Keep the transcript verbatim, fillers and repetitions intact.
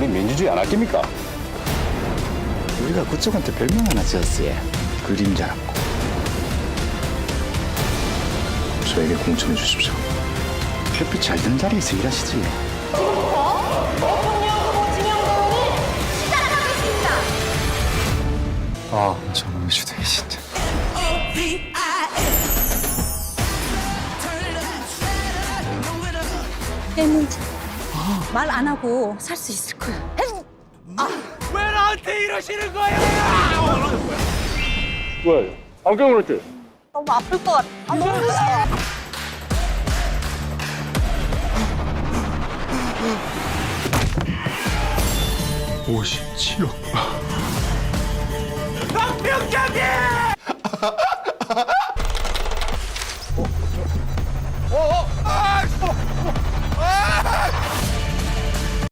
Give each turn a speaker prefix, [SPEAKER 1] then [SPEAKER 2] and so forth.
[SPEAKER 1] 우리 민주주의 안 아낍니까?
[SPEAKER 2] 우리가 그쪽한테 별명 하나 지었어요. 그림자라고. 저에게 공천해 주십시오. 햇빛 잘 드는 자리에서 일하시지.
[SPEAKER 3] 지금부터 대통령 후보 지명 대원을 시작하겠습니다.
[SPEAKER 2] 아, 저놈의 주둥이 진짜.
[SPEAKER 4] 했는지 말 안 하고 살 수 있을 거야.
[SPEAKER 5] 왜 나한테 이러시는 거예요?
[SPEAKER 1] 왜? 안경을 했지?
[SPEAKER 4] 너무 아플 것 같아. 아, 너무 무서워.
[SPEAKER 2] 오십칠억.
[SPEAKER 5] 박병장님!